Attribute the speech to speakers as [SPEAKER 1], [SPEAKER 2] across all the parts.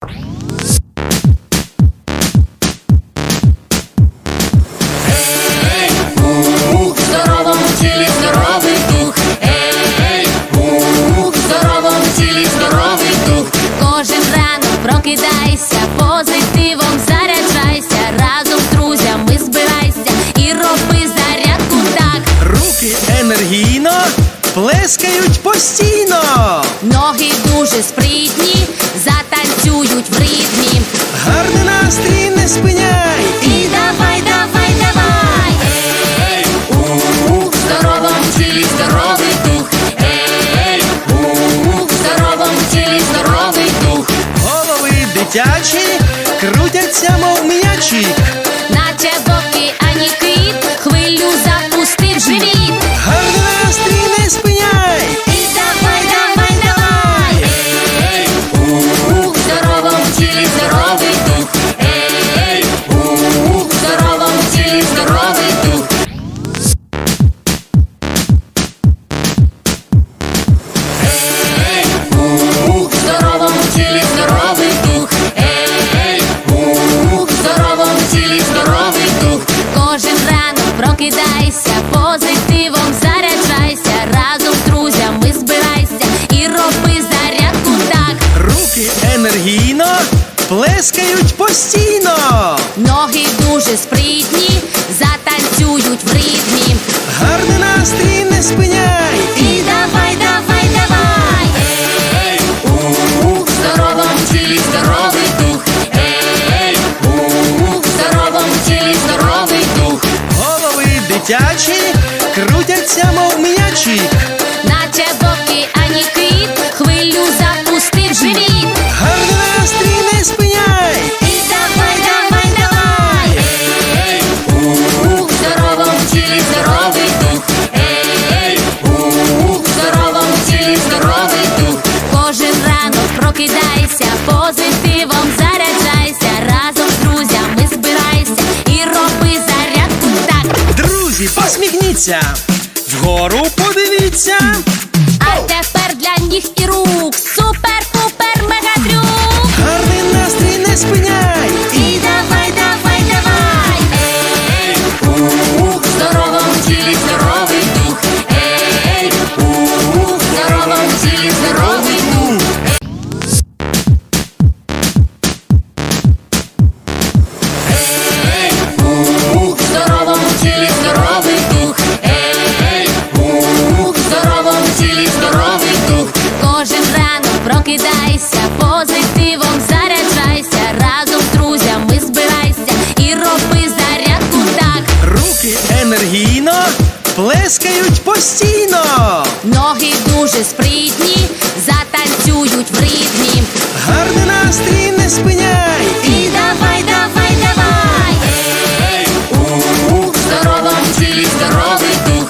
[SPEAKER 1] Прокидайся, позитивом заряджайся, разом з друзями збирайся і роби зарядку так.
[SPEAKER 2] Руки енергійно плескають постійно.
[SPEAKER 1] Ноги дуже спритні, затанцюють в ритмі.
[SPEAKER 2] Гарний настрій не спиняй.
[SPEAKER 1] І давай, давай, давай. В здоровому тілі здоровий дух. В здоровому тілі здоровий дух.
[SPEAKER 2] Голови дитячі крутяться, мов м'ячі.
[SPEAKER 1] Наче в океані кит, хвилю запустив живіт.
[SPEAKER 2] Гарний настрій не спиняй.
[SPEAKER 1] І давай, давай, давай. В здоровому тілі здоровий дух. В здоровому тілі здоровий дух. В здоровому тілі здоровий дух. В здоровому тілі здоровий дух. Кожен ранок прокидайся, позитивом заряджайся, разом з друзями збирайся і роби зарядку так.
[SPEAKER 2] Руки енергійно плескають постійно.
[SPEAKER 1] Ноги дуже спритні, затанцюють в ритмі.
[SPEAKER 2] Гарний настрій не спиняй.
[SPEAKER 1] І давай, давай, давай. В здоровому тілі здоровий дух. В здоровому тілі здоровий дух.
[SPEAKER 2] Голови дитячі крутяться, мов м'ячі.
[SPEAKER 1] Наче в океані кит, хвилю запустив живіт.
[SPEAKER 2] Гарний настрій не спиняй.
[SPEAKER 1] І давай, давай, давай. В здоровому тілі здоровий дух. В здоровому тілі здоровий дух. Кожен ранок прокидайся, позитивом заряджайся, разом з друзями збирайся і роби зарядку так.
[SPEAKER 2] Друзі, посміхніться, вгору подивіться.
[SPEAKER 1] А тепер для ніг і рук супер-пупер мегатрюк.
[SPEAKER 2] Гарний настрій не спиняй.
[SPEAKER 1] І давай, давай, давай. В здоровому тілі здоровий дух. В здоровому тілі здоровий дух. В здоровому тілі здоровий дух. В здоровому тілі здоровий дух. Кожен ранок прокидайся, позитивом заряджайся, разом з друзями збирайся і роби зарядку так.
[SPEAKER 2] Руки енергійно плескають постійно.
[SPEAKER 1] Ноги дуже спритні, затанцюють в ритмі.
[SPEAKER 2] Гарний настрій не спиняй.
[SPEAKER 1] І давай, давай, давай. В здоровому тілі здоровий дух.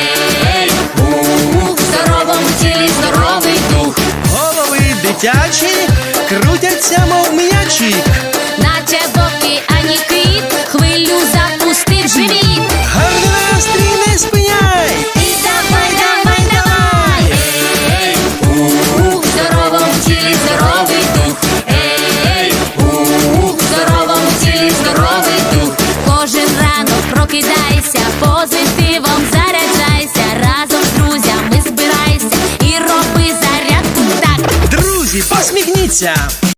[SPEAKER 1] В здоровому тілі здоровий дух.
[SPEAKER 2] Голови дитячі крутяться, мов м'ячі.
[SPEAKER 1] Наче в океані кит, хвилю запустив живіт.
[SPEAKER 2] Гарний настрій не спиняй.
[SPEAKER 1] І давай, давай, давай. В здоровому тілі здоровий дух. В здоровому тілі здоровий дух. Кожен ранок прокидайся, позитивом заряджайся, разом з друзями збирайся і роби зарядку так.
[SPEAKER 2] Друзі, посміхніться,